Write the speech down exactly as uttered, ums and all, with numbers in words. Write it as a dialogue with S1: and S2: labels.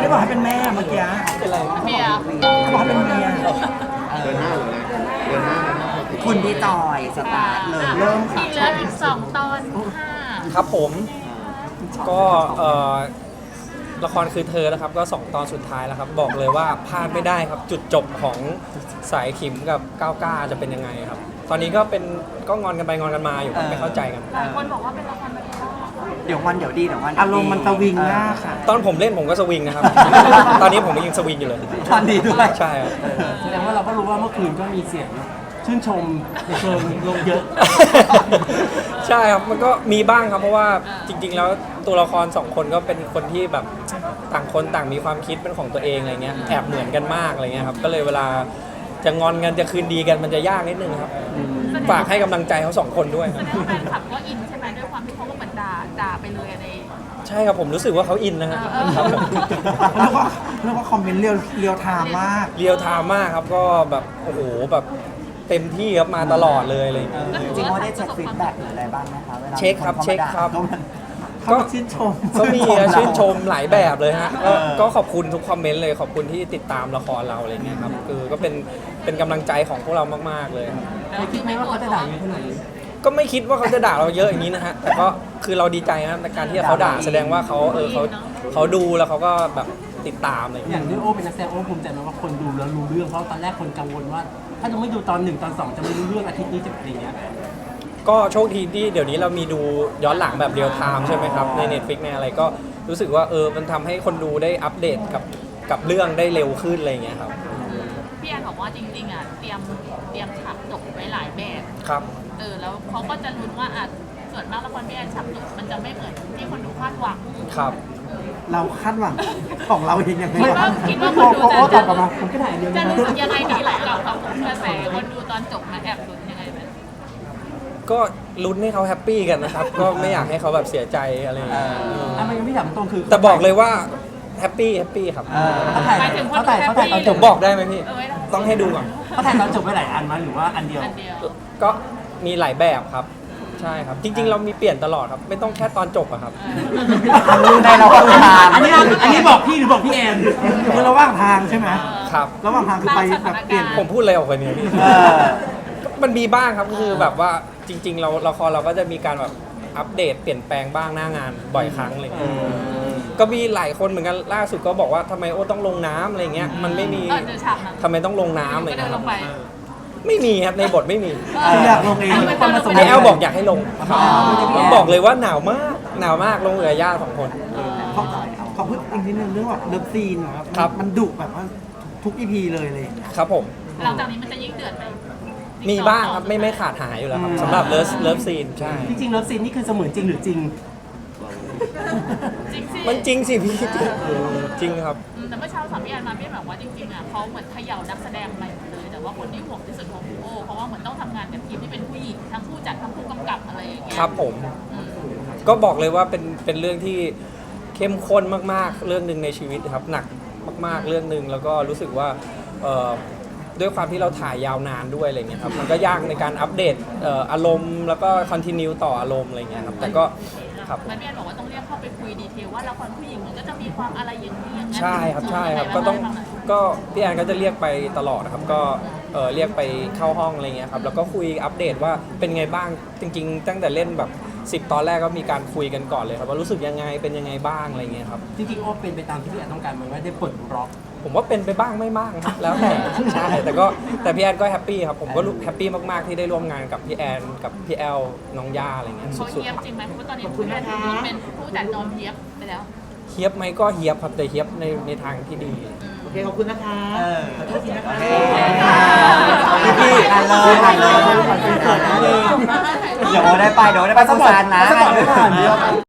S1: บอกให้เป็นแม่เมื่อกี้เป็นไร
S2: เมีย
S1: เขาบอกให้เป็นเมีย
S3: เดินหน้าเลยเดินหน้า
S4: คุณพี่จอยสตาร์ทเลยเริ่มค่ะ
S2: อีกแล้วอีกสองตอนห้า
S5: ครับผมก็เอ่อละครคือเธอนะครับก็สองตอนสุดท้ายแล้วครับบอกเลยว่าพลาดไม่ได้ครับจุดจบของสายขิมกับก้าวก้าจะเป็นยังไงครับตอนนี้ก็เป็นก็งอนกันไปงอนกันมาอยู่ไม่เข้าใจกัน
S2: หลายคนบอกว่าเป็นละครแบบ
S4: เดี๋ยววันเดี๋ยวดีเดี๋ยววัน
S1: อารมณ์มันสวิงมากค่ะ
S5: ตอนผมเล่นผมก็สวิงนะครับ ตอนนี้ผมยังสวิงอยู่เลย
S4: ตอนดีด้วย
S5: ใช่ครับ
S1: แสดงว่าเราก็รู้ว่าเมื่อคืนก็มีเสียงชื่นชมในเชิงลงเยอะ
S5: ใช่ครับมันก็มีบ้างครับเพราะว่าจริงๆแล้วตัวละครสองคนก็เป็นคนที่แบบต่างคนต่างมีความคิดเป็นของตัวเองอะไรเงี้ยแอบเหมือนกันมากอะไรเงี้ยครับก็เลยเวลาจะงอนกันจะคืนดีกันมันจะยากนิดนึงครับฝากให้กำลังใจเขาสองคนด้วยครับ
S2: แฟนคลับก็อินใช่ไหมด้วยความที่เขาก็เหมือนด่าด่าไปเลยใน
S5: ใช่ครับผมรู้สึกว่าเขาอินนะฮะครับผม
S1: แล้วก็แล้วก็คอมเมนต์เรียวเรียวไทม์มาก
S5: เรียวไทม์มากครับก็แบบโอ้โหแบบเต็มที่ครับมาตลอดเลยเลย
S4: จริงๆว่าได้เช็คฟีดแบ็กหรืออะไรบ้างไหมคะเวลา
S5: เช็คครับเช็คครับ
S1: ก็ชื่นชม
S5: ก็มีชื่นชมหลายแบบเลยฮะก็ขอบคุณทุกคอมเมนต์เลยขอบคุณที่ติดตามละครเราอะไรเงี้ยครับคือก็เป็นเป็นกำลังใจของพวกเรามากๆเลยครับ
S1: ไม่คิดไหมว่าเขาจะด่าเยอะขนาดนี้
S5: ก็ไม่คิดว่าเขาจะด่าเราเยอะอย่างนี้นะฮะแต่ก็คือเราดีใจนะในการที่เขาด่าแสดงว่าเขาเออเขาเขาดูแล้วเขาก็แบบติดตามอะไรอย่าง
S1: ที่โอ้เป็นนักแสดงโอ้ภูมิใจไหมว่าคนดูแล้วรู้เรื่องเพราะตอนแรกคนกังวลว่าถ้าจะไม่ดูตอนหนึ่งตอนสองจะไม่รู้เรื่องอาทิตย์นี้จะเป็นอย่างเงี้ย
S5: ก็โชคดีที่เดี๋ยวนี้เรามีดูย้อนหลังแบบเรียลไทม์ใช่ไหมครับใน Netflix ในอะไรก็รู้สึกว่าเออมันทำให้คนดูได้อัปเดตกับกับเรื่องได้เร็วขึ้นอะไรอย่างเงี้ยครับ
S2: พี่แอนบอกว่าจริงๆอ่ะเตรียมเตรียมฉากจบไว้หลายแบบ
S5: ครับ
S2: เออแล้วเขาก็จะลุ้นว่าอ่ะส่วนมากละครพี่แอนฉากจบมันจะไม่เหมือนที่คนดูคาดหวัง
S5: ครับ
S1: เราคาดหวังของเราเองยังไง
S2: คิดว่าคิดว่าคนดูจะ
S1: จะผมก็ถ่ายเดียว
S2: จะรู้สึกยังไงดีหลายกับกระแสคนดูตอนจบมาแอบลุ้นยังไงไหม
S5: ก็ลุ้นให้เขาแฮปปี้กันนะครับก็ไม่อยากให้เขาแบบเสียใจอะไรอย่างเงี้ย
S1: อ่ะมันยังไม่ถามตรงคือ
S5: แต่บอกเลยว่าแฮปปี้แฮปปี้ครับ
S1: เขาถ่ายเขาถ่ายเขาถ่ายตอนจบ
S5: บอกได้ไหมพี่ต้องให้ดูก่อน
S1: เขาถ่ายตอนจบไปหลายอันมั้ยหรือว่าอันเดียว
S5: ก็มีหลายแบบครับใช่ครับจริงๆเรามีเปลี่ยนตลอดครับไม่ต้องแค่ตอนจบอะครับ
S4: ได้เราก็ทาง
S1: อันนี้อันนี้บอกพี่หรือบอกพี่แอนคือระหว่างทางใช่ไหม
S5: ครับ
S1: ระหว่างทางคือไปแบบเปลี่ยน
S5: ผมพูดอะไรออกไปเนี่ยพี่มันมีบ้างครับคือแบบว่าจริงๆเราละครเราก็จะมีการแบบอัปเดตเปลี่ยนแปลงบ้างหน้างานบ่อยครั้งอะไรเงี้ยก็มีหลายคนเหมือนกันล่าสุดก็บอกว่าทำไมโอ้ต้องลงน้ำอะไรเงี้ยมันไม่มีทำไมต้องลงน้ำอะไรเงี้ยไม่มีครับในบทไม่มี
S1: อยากลงเอง
S5: ไอแอลบอกอยากให้ลงผมบอกเลยว่าหนาวมากหนาวมากลงเหลือย่าสองคน
S1: ขอพูดอีกนิดนึงเรื่องแบบเลิฟซีนครับมันดุแบบว่าทุกอีพีเลยเลย
S5: ครับผม
S2: หลังจากนี้มันจะยิ่งเดือดไหม
S5: มีบ้างครับไม่ไม่ขาดหายอยู่แล้วครับสำหรับเลิฟเลิฟซีนใช่
S1: จริงๆเลิฟซีนนี่คือเสมือนจริงหรือจริง
S5: มันจริงสิพี่จริงครับ
S2: แต่เมื่อเช้าสามพี่แอนมาพี่บอกว่าจริงๆอ่ะเขาเหมือนเขย่านักแสดงใหม่เลยแต่ว่าคนที่ห่วงที่สุดของโอ้เพราะว่าเหมือนต้องทำงานกับทีมที่เป็นผู้หญิงทั้งผู้จัดทั้งผู้กำกับอะไรอย่างเงี้ย
S5: ครับผมก็บอกเลยว่าเป็นเป็นเรื่องที่เข้มข้นมากๆเรื่องหนึ่งในชีวิตครับหนักมากๆเรื่องหนึ่งแล้วก็รู้สึกว่าด้วยความที่เราถ่ายยาวนานด้วยอะไรเงี้ยครับมันก็ยากในการอัปเดตอารมณ์แล้วก็คอนติเนียต่ออารมณ์อะไรเงี้ยครับแต่ก็
S2: ครับแม่พี่แอนบอกว่าต้องเรียกเข้าไปคุยดีเทลว่าละครผู้หญิงมันก็จะมีความอะไรอย่างนี้อย่างนั้น
S5: ใช่ครับใช่ครับก็ต้องก็พี่แอนก็จะเรียกไปตลอดครับก็เรียกไปเข้าห้องอะไรเงี้ยครับแล้วก็คุยอัปเดตว่าเป็นไงบ้างจริงๆตั้งแต่เล่นแบบสิบตอนแรกก็มีการคุยกันก่อนเลยครับว่ารู้สึกยังไงเป็นยังไงบ้างอะไรเงี้ยครับ
S1: จริงๆโอ้เป็นไปตามที่พี่แอนต้องการมันไม่ได้ปลดล็อก
S5: ผมว่าเป็นไปบ้างไม่บ้างครับแล้วแต่ใช่แต่ก็แต่พี่แอนก็แฮปปี้ครับผมก็แฮปปี้มากๆที่ได้ร่วมงานกับพี่แอนกับพี่แอลน้องย่าอะไรเงี้ย
S2: สุดๆเขาเฮียบจริงไหมเพราะตอนนี้พี่แอนเป็นผู้จัดนอนเฮียบไปแล้ว
S5: เฮียบไหมก็เฮียบครับแต่เฮียบในในทางที่ดี
S1: โอเคขอบคุณนะคะขอโทษทีนะคะ
S4: พี่อ่านเลยอ่านเลยเดี๋ยวได้ไปเดี๋ยวได้ไปสงสารนะ